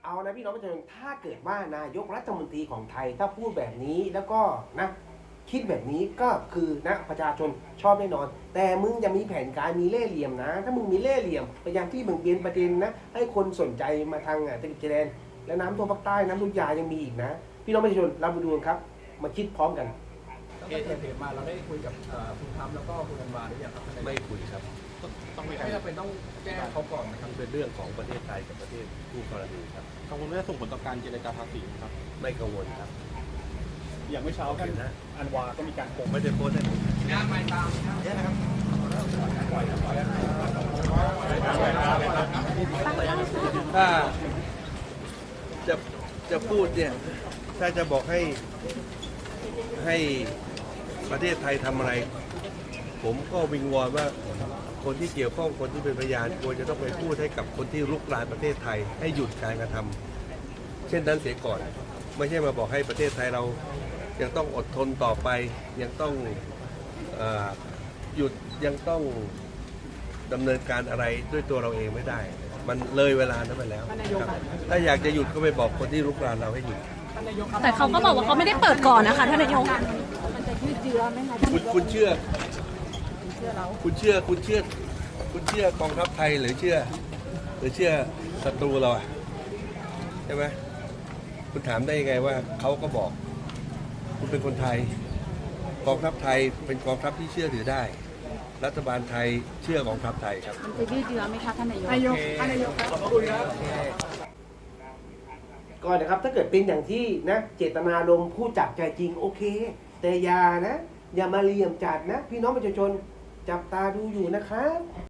เอานะพี่น้องประชาชนถ้าเกิดว่านายกรัฐมนตรีของไทยถ้าพูดแบบนี้แล้วก็นะคิดแบบนี้ก็คือนะประชาชนชอบแน่นอนแต่มึงจะมีแผนการมีเล่ห์เหลี่ยมนะถ้ามึงมีเล่ห์เหลี่ยมพยายามที่มึงเปลี่ยนประเด็นนะให้คนสนใจมาทางตะกิจชายแดนและน้ำท่วมภาคใต้น้ำท่วมยายังมีอีกนะพี่น้องประชาชนเรามาดูกันครับมาคิดพร้อมกันตั้งแต่เกิดเหตุมาเราได้คุยกับคุณทรัมป์แล้วก็คุณอันวาหรือยังครับไม่คุยครับไม่จำเป็นต้องแจ้งเขาก่อนนะครับเป็นเรื่องของประเทศไทยกับประเทศคู่กรณีครับกังวลว่าจะส่งผลต่อการเจรจาภาษีครับไม่กังวลครับอย่างเมื่อเช้าท่านอันวาก็มีการโพสต์ไม่ได้โพสต์ให้ผมถ้าจะพูดเนี่ยถ้าจะบอกให้ประเทศไทยทำอะไรผมก็วิงวอนว่าคนที่เกี่ยวข้องคนที่เป็นพยานควรจะต้องไปพูดให้กับคนที่รุกรานประเทศไทยให้หยุดการกระทำเช่นนั้นเสียก่อนไม่ใช่มาบอกให้ประเทศไทยเรายังต้องอดทนต่อไปยังต้องหยุดยังต้องดำเนินการอะไรด้วยตัวเราเองไม่ได้มันเลยเวลานั้นไปแล้วถ้าอยากจะหยุดก็ไปบอกคนที่รุกรานเราให้หยุดแต่เขาก็บอกว่าเขาไม่ได้เปิดก่อนนะคะท่านนายกมันจะยืดเยื้อไหมคะคุณเชื่อกองทัพไทยหรือเชื่อศัตรูเราอ่ะใช่ไหมคุณถามได้ยังไงว่าเขาก็บอกคุณเป็นคนไทยกองทัพไทยเป็นกองทัพที่เชื่อถือได้รัฐบาลไทยเชื่อกองทัพไทยครับมันจะยืดเยื้อไหมคะท่านนายกขอบคุณครับก่อนนะครับถ้าเกิดเป็นอย่างที่นะเจตนารมณ์พูดจากใจจริงโอเคแต่อย่ามาเหลี่ยมจัดนะพี่น้องประชาชนจับตาดูอยู่นะครับ